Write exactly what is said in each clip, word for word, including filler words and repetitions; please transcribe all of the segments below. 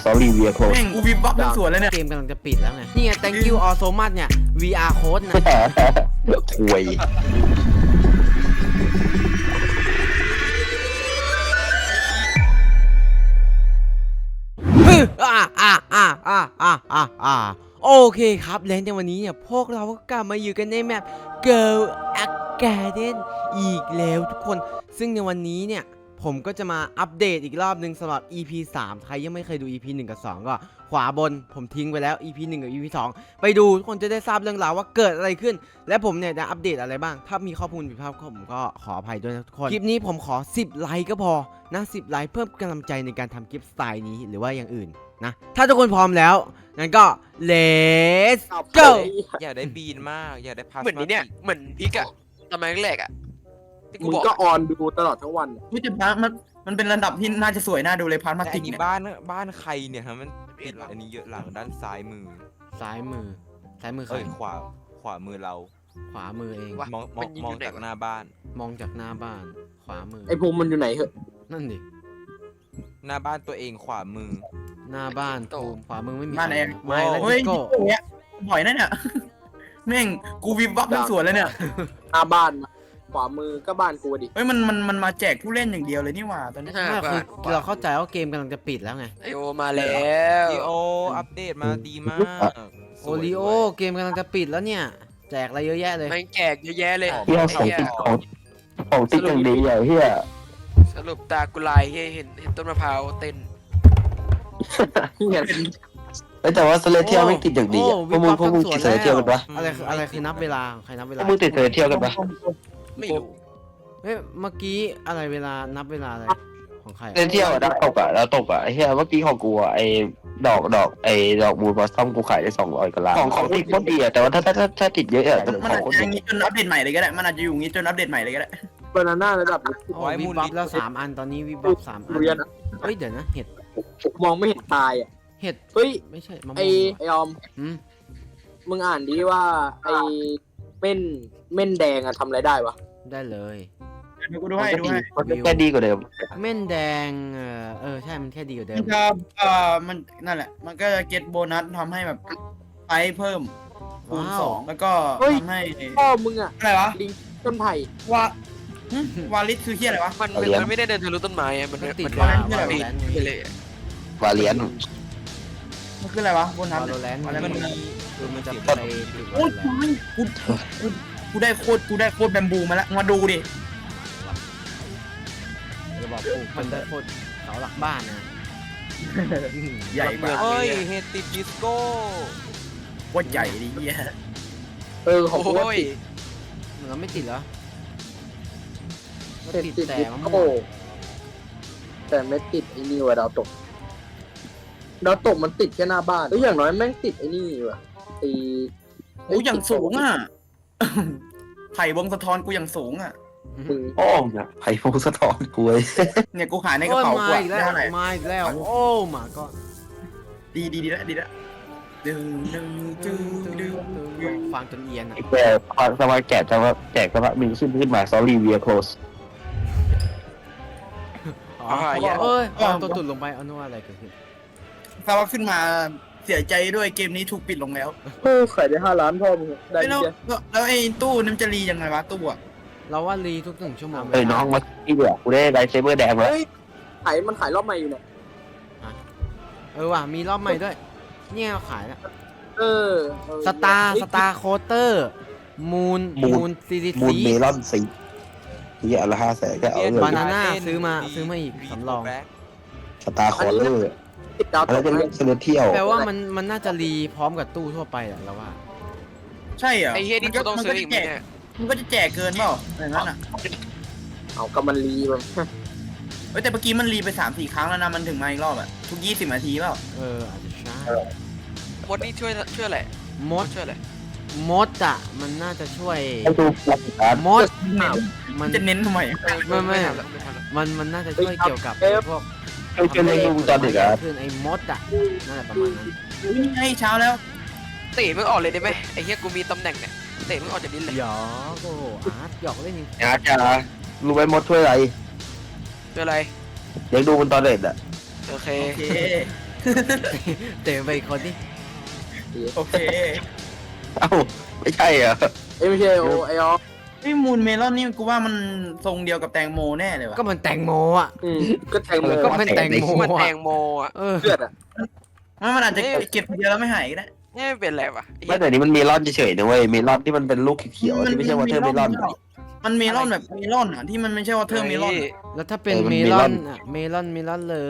sorry we are แม่ closed งกูวิบวับทั้งสวนแล้วเนี่ยเกมกำลังจะปิดแล้วไงนี่ไง thank you all so much เนี่ย วี อาร์ code นะคุยอ่าอ่าอ่าอ่าอ่าอ่าอ่าโอเคครับและในวันนี้เนี่ยพวกเราก็กลับมาอยู่กันในแมป Girl Garden อีกแล้วทุกคนซึ่งในวันนี้เนี่ยผมก็จะมาอัปเดตอีกรอบนึงสำหรับ อี พี สามใครยังไม่เคยดู อี พี หนึ่งกับสองก็ขวาบนผมทิ้งไปแล้ว อี พี หนึ่งกับ อี พี สองไปดูทุกคนจะได้ทราบเรื่องราวว่าเกิดอะไรขึ้นและผมเนี่ยจะอัปเดตอะไรบ้างถ้ามีข้อมูลผิดพลาดผมก็ขออภัยด้วยนะทุกคนคลิปนี้ผมขอสิบไลค์ก็พอนะสิบไลค์เพิ่มกำลังใจในการทำคลิปสไตล์นี้หรือว่าอย่างอื่นนะถ้าทุกคนพร้อมแล้วงั้นก็ let's go อยากได้บีนมากอยากได้พาสเหมือนนี้เนี่ยเหมือนพิกอะตอนแรกๆอะที่กูมึงบอกก็ออนดูตลอดทั้งวันพี่จะพักมันมันเป็นระดับที่น่าจะสวยน่าดูเลยพาร์ทมาแต่ติอักนนี้เนี่ยบ้านบ้านใครเนี่ยฮะมันติดอันนี้เยอะหลังด้านซ้ายมือซ้ายมือซ้ายมือใครเอ้ยขวาขวามือเราขวามือเองมองมองมองจากหน้าบ้านมองจากหน้าบ้านขวามือไอภูมิมันอยู่ไหนเหอะนั่นดิหน้าบ้านตัวเองขวามือหน้าบ้านภูมิขวามือไม่มีบ้านเองไม่แล้วเฮ้ยโก้เนี้ยบ่อยนะเนี่ยแม่งกูวิบวับทั้งสวนแล้วเนี่ยหน้าบ้านขวามือก็บ้านกูดิเฮ้ยมันมันมันมาแจกผู้เล่นอย่างเดียวเลยนี่หว่าตอนนี้ห้าไม่บาคือทเราเข้าใจว่าเกมกำลังจะปิดแล้วไงไอโอมาแล้วดีโออัปเดตมาดีมากโอริโอเกมกำลังจะปิดแล้วเนี่ยแจกอะไรเยอะแยะเลยแม่งแจกเยอะแยะเลยเฮียของติดของของติดอย่างดีอ่ะเฮียสรุปตากุไลเห็นเห็นต้นมะพร้าวเต้นแต่ว่าสเลเทียลไม่ติดอย่างดีอ่ะพวกมึงพวกมึงติดสเลเทียลกันปะอะไรคืออะไรคือนับเวลาใครนับเวพวลากมึงติดสเลเทียลกันปะไม่รู้เฮ้ยเมื่อกี้อะไรเวลานับเวลาอะไรของใครสเลเทียลอ่ะดาวตกอ่ะดาวตกอ่ะไอ้เฮียเมื่อกี้ของกูอ่ะไอ้ดอกดอกไอ้ดอกบูลบอสซัมกูขายได้สองร้อยกว่าล้านของของติดโคตรดีอ่ะแต่ว่าถ้าถ้าถ้าติดเยอะอ่ะมันอาจจะอย่างงี้จนอัปเดตใหม่เลยก็ได้มันอาจจะอยู่อย่างงี้จนอัปเดตใหม่เลยก็ได้บานาน่าระดับโอ้วิบวับแล้วสามอันตอนนี้วิบวับสามอันเรียนเฮ้ยเดี๋ยวนะเห็ดมองไม่เห็นตายอ่ะเห็ดเฮ้ยไม่ใช่มะม่วงไอไอออมอืมมึงอ่านดีว่าไอเม่นเม่นแดงอะทำอะไรได้วะได้เลยกูดูให้ดูให้มันแค่ดีกว่าเดิมเม่นแดงเออเออใช่มันแค่ดีกว่าเดิมัมนจะเอ่อมันนั่นแหละ มันก็จะเก็ตโบนัสทำให้แบบไปเพิ่มคูณสองแล้วก็ทำให้พ่อมึงอะอะไรวะลิงต้นไผ่วาหึวาลิสคือเฮียอะไรวะมันมันมันไม่ได้เดินทะลุต้นไม้อะมันมันติดมันว่ามันวาโลปีนแรนต์ไปเลยอะวาเลียนมันคืออะไรวะโบนัสวาโลแรนต์อะไรมันมันคือมันจะไปติดโอ้วาย โลแรนต์กูกูกูได้โคตรกูได้โคตรแบมบูมาแล้วมาดูดิจะบอกปลูกมันได้โคตรเสาหลักบ้านนะใหญ่มากเฮ้ยเฮดติดดิสโก้โคตรใหญ่ดิเฮียเออของกูโอ้ยมันก็ไม่ติดเหรอมันติดติดติดแต่มะม่โอ้วงแต่ไม่ติดไอ้นี่ว่ะดาวตกดาวตกมันติดแค่หน้าบ้านแล้วอย่างน้อยแม่งติดไอ้นี่ว่ะไอ้โอ้อย่างสูงอ่ะ ไผ่วงสะท้อนกูอย่างสูงอ่ะโอ้เนี่ยไผ่พงสะท้อนกูเลยเนี่ยกูขายในกระเป๋าโอ้ยกูมาอะอีกแล้วได้เท่าไหร่มาอีกแล้วโอ้มาก็ดีดีดีแล้วดีแล้วดึงดึงดึงดึงฟังจนเอียนอ่ะแกสมาแกะจะว่าแจกสมามีขึ้นขึ้นมา sorry we are closed อ๋อเอ้ยเอาตัวตุ่นลงไปเอาโน้อะไรเกิดขึ้นถ้าว่าขึ้นมาเสียใจด้วยเกมนี้ถูกปิดลงแล้วโอ้ขายได้ห้าล้านพ่อมึงได้แล้วแล้วไอ้ตู้นี่มันจะรียังไงวะตู้อะเราว่ารีทุกหนึ่งชั่วโมงเอ้ยน้องมาที่เดียวกูได้ไลท์เซเบอร์แดงแล้วขายมันขายรอบใหม่อยู่เนี่ยเออว่ะมีรอบใหม่ด้วยเนี่ยขายแล้วเออสตาร์สตาร์โคเตอร์มูนมูนซีดีมูลซีเมลอนสีที่อันละห้าแสนก็เอาเลยบานาน่าซื้อมาซื้อมาอีกสำรองสตาร์คอร์เลอร์ติดดาวตแล้วกจะเล่นเซเลเทียลแปลว่ามันมันน่าจะรีพร้อมกับตู้ทั่วไปแหละเราว่าใช่เหรอไอ้เฮียนี่กูต้องซื้ออีกไหมเนี่ยมันก็จะแจกเกินเปล่าอย่างนั้นอ่ะเอาก็มันรีมันเฮ้ยแต่เมื่อกี้มันรีไปสามสี่ครั้งแล้วนะมันถึงมาอีกรอบอ่ะทุกยี่สิบนาทีเปล่าเอออาจจะใช่มดนี่ช่วยช่วยอะไรมดช่วยอะไรมดอ่ะมันน่าจะช่วยให้ดูหลักฐานมดมันจะเน้นทำไมไม่ไม่ทำแล้วไม่ทำแล้วมันมันน่าจะช่วยเกี่ยวกับพวกเคยเจอในดูตอนเด็กอ่ะคือไอ้มดอ่ะนั่นแหละประมาณนั้นนี่ไงเช้าแล้วเตะมึงออกเลยได้ไหมไอ้เฮียกูมีตำแหน่งเนี่ยเตะมึงออกจากดินเลยหยอกโอ้โหอาร์ตหยอกเล่นจริงอาจารย์รู้ไหมมดช่วยอะไรช่วยอะไรเดี๋ยวดูมันตอนเด็กอ่ะโอเคโอเคเตะไปอีกคนนี่โอเคเอ้าไม่ใช่เหรอเอ้ยไม่ใช่โอไอออฟนี่มูนเมลอนนี่กูว่ามันทรงเดียวกับแตงโมแน่เลยว่ะก็มันแตงโมอ่ะอืมก็แทงโมก็มันแตงโมมันแตอ่ะงโมอ่ะเออเลือดอ่ะมันมันอาจจะเก็บทีเดียวแล้วไม่หายก็ได้นี่ไม่เป็นไรวะไอ้ไม่เหี้ยแต่นี้มันเมลอนเฉยๆนะเว้ยเมลอนที่มันเป็นลูกเขียวๆที่ไม่ใช่วอเทอร์เมลอนมันเมลอนแบบเมลอนอ่ะที่มันไม่ใช่วอเทอร์เมลอนอะแล้วถ้าเป็นเออมันเมเมลลออน นอ่ะเมลอนเมลอนเลย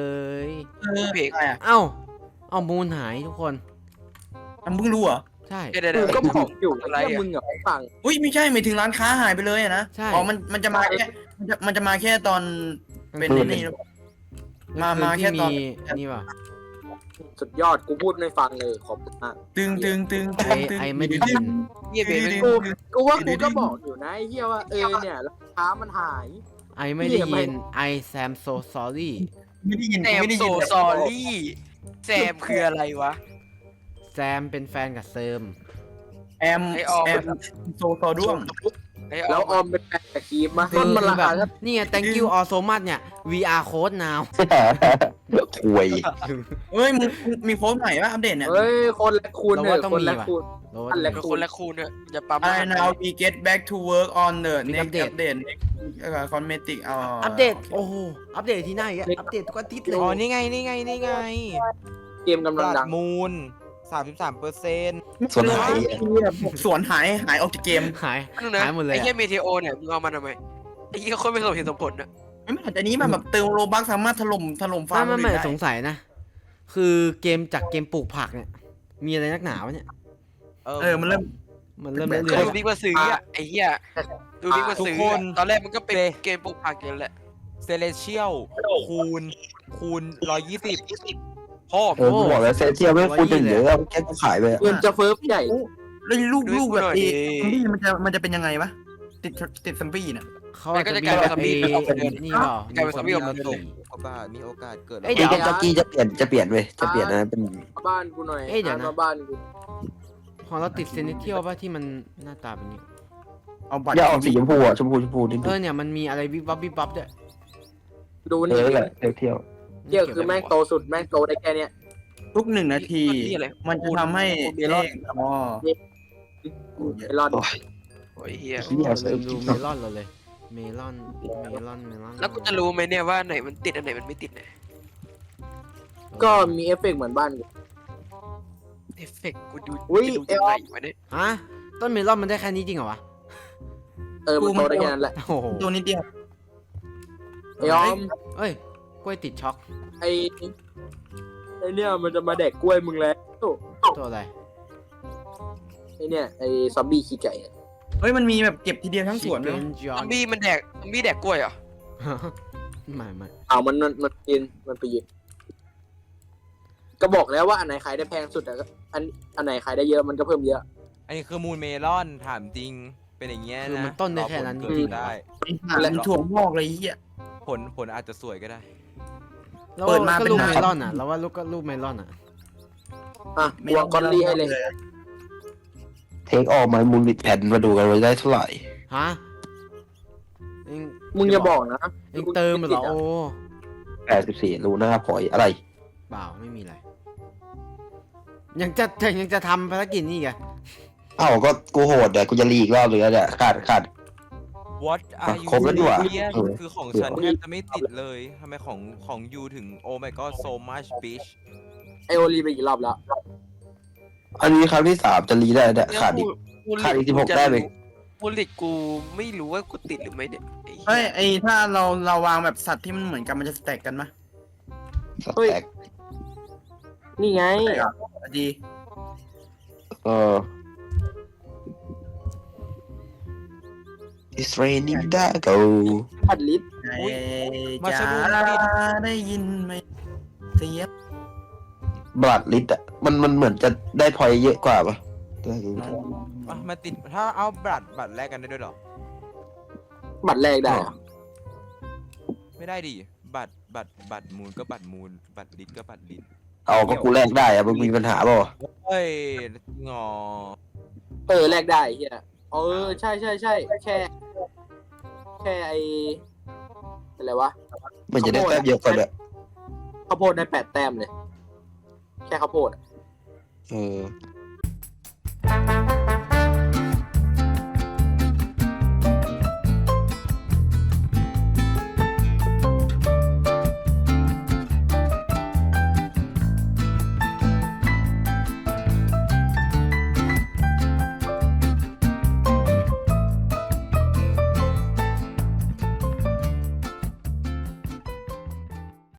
เออใช่อ่ะเอ้าเอามูลหายทุกคนมึงเพิ่งรู้เหรอใช่เดี๋ยวเดี๋ยวกูเดี๋ยวก็บอกอยู่อะไรว่าอ่ะมึงอ่ะไม่ฟังอุ้ยไม่ใช่ไม่ถึงร้านค้าหายไปเลยอะนะใช่อ๋อมันมันจะมาแค่มันจะมันจะมาแค่ตอนเป็นมืไอ้ดเลยนี่หรือเปล่า มามาแค่ที่ตอนมีนี่ป่ะสุดยอดกูพูดไม่ฟังเลยขอบคุณมากตึงตึงตึงไอตึงตึงไอไม่ได้ยินเหี้ยเบย์เป็นกูกูว่ากูก็บอกอยู่นะไอ้เหี้ยว่าเออเนี่ยราคามันหายไอไม่ได้ยินไอแซมโซซอรี่ไม่ได้ยินแซมไม่ได้โซยินซอรี่แซมคืออะไรวะแซมเป็นแฟนกับเซิมแอมไอ้ออมแอมโซโซด้วงไอ้แล้วออออมมเป็นแฟนกับครีมมาคืต้นอมันราแบคาบก็นี่ไง thank you all so much เนี่ย วี อาร์ code now คุยเอ้ยมึงมึงมีโค้ดใหม่ป่ะอัปเดตเนี่ยเฮ้ยคนละคูณเราเนว่าอะต้องคนมีละว่ะคูณโดนอันแรกเป็นคนละคูณเถอะอย่าปั๊ม I now we get back to work on the Big next update updateเอ่อ cosmetic เอาอัปเดต โอ้โห อัปเดตที่ไหนอ่ะ อัปเดตทุกอาทิตย์เลยอ๋อนี่ไงนี่ไงนี่ไงเกมกำลังบดัลังดมูลสามสิบสามเปอร์เซ็นต์ส่วนหายสวนหายหายออกจากเกมหายนึงนะหายหมดเลยไอ้อะเหี้ยเมทีโอเนี่ยมึงเอามันทำไมไอ้เหี้ยคนไม่สมเหตุสมผลนะไม่ไม่แต่นี้มันแบบเติมโลบักสามารถถล่มถล่มฟาไม่ร์มไม่ไม่ได้สงสัยนะ คือเกมจากเกมปลูกผักเนี่ย มีอะไรนักหนาวะเนี่ยเออมันเริ่มมันเริ่มแบบเรื่อยดูบิ๊กมาซื้ออ่ะไอ้เหี้ยดูบิ๊กมาซื้ออะตอนแรกมันก็เป็นเกมปลูกผักอย่างแหละเซเลเชียลคูณคูณร้อยยี่สิบพ่อเออกูบอกแล้วเซเชียลไม่คูณถึงเยอะแค่กูขายไปอะเงินจะเฟิร์ฟใหญ่แล้วลูกลูกแบบเอซอมบี้มันจะมันจะเป็นยังไงวะติดติดซอมบี้น่ะๆเขาอาจจะมีแบบไอ้นี่เปล่ากลายเป็นซอมบี้ออกมามีเลยโอกาสมีโอกาสเกิดเอ้ยเดี๋เดี๋ยยว วจะกี้จะเปลี่ยนจะเปลี่ยนเว้ยจะเปลี่ยนนะเป็นมาบ้านกูหน่อยเอ้ยเดี๋ยวนะมาบ้านกูของเราติดเซนิเทียลป่ะที่มันหน้าตาเป็นนี้เอาบัตรอย่าออกสีชมพูอ่ะชมพูชมพูนิดเออเนี่ยมันมีอะไรวิบวับวิบวับด้วยดูเอนี่อแหละเที่ยวเที่ยวเที่ยวคือแม่งโตสุดแม่งโตได้แค่เนี้ยทุกหนึ่งนาที มันจะทำให้เมลอนอ๋อไอรอนโอ้ยเหี้ยที่อยากลืซื้อมดูเมลอนเราเลย เมลอน เมลอน เมลอนแล้วกูจะรู้ไหมเนี่ยว่าไหนมันติดอันไหนมันไม่ติดเนี่ยก็มีเอฟเฟกต์เหมือนบ้านกูเอฟเฟกต์กูดูอุ๊ยจะดูยังไงวะเนี่ยฮะต้นเมลอนมันได้แค่นี้จริงเหรอวะเออมันโตได้แค่นั้นแหละโอ้โหตัวนิดเดียวไอยอมเอ้ยกล้วยติดช็อกไอไอเนี่ยมันจะมาแดกกล้วยมึงแล้วตัวอะไรไอเนี่ยไอซอมบี้ขี้ไก่อะเฮ้ยมันมีแบบเก็บทีเดียวทั้งสวนเลย Chicken ซอ John มบี้มันแดกซอมบี้แดกกล้วยเหรอไม่ไม่เอามันมันมันกินมันไปยินก็บอกแล้วว่าอันไหนขายได้แพงสุดอะก็อันอันไหนขายได้เยอะมันก็เพิ่มเยอะอันนี้คือมูลเมลอนถามจริงเป็นอย่างเงี้ยคือนะมันต้นได้แค่นั้นรอจผลริเกิงดได้และถั่วงอกเลยไอ้เหี้ยผลผลอาจจะสวยก็ได้ๆแล้วเปิดมาก็เป็นลูกน้ำเมลอนอ่ะ แล้วว่าลูกก็ลูกเมลอนอ่ะอ่ะวางกอลลี่ให้เลยเทคออกมามูลบิดแผ่นมาดูกันว่าได้เท่าไหร่ฮะเองมึงอย่าบอกนะเองเติมเหรอโอ้แปดสิบสี่รูหน้าพอยอะไรเปล่าไม่มีอะไร ยังจะยังจะทำภารกิจนี่อีกอะเอ้าก็กูโหดอ่ะกูจะรีอีกรอบเลยเนี่ยขาดขาด What are you ครบแล้วดีกว่า doing เออคือของฉันแทบจะไม่ติดเลยทำไมของของยูถึง Oh my god so much bitch ไอโอลีไปกี่รอบแล้วอันนี้ครั้งที่สามจะรีได้เนี่ยขาดอีกกูขาดอีกสิบหกแต้มเองกูลิดกูไม่รู้ว่ากูติดหรือไม่เนี่ยไอ้เฮ้ยเหี้ยไอถ้าเราเราวางแบบสัตว์ที่มันเหมือนกันมันจะสแต็กกันไหมสแต็กนี่ไงดีเออ It's raining Dago พัดลิตรไอ้มาจ๋าชะลูดได้ยินไหมเสียบบลัดลิตอ่ะมันมันเหมือนจะได้พอยเยอะกว่าปะได้ดูอ่ะมาติดถ้าเอาบัตรบัตรแลกกันได้ด้วยเหรอบัตรแรกได้อะไม่ได้ดิบัตรบัตรบัตรมูลก็บัตรมูลบัตรลิตก็บัตรลิตเอาก็กูแลกได้อะมึงมีปัญหาเปล่าวะเฮ้ยงอเออแรกได้เฮียเออใช่ใช่ใช่แค่ แค่ไออะไรวะมันจะได้แต้มเยอะกว่าเนี่ยข้าวโพดได้แปดแต้มเลยแค่ข้าวโพดอะเออ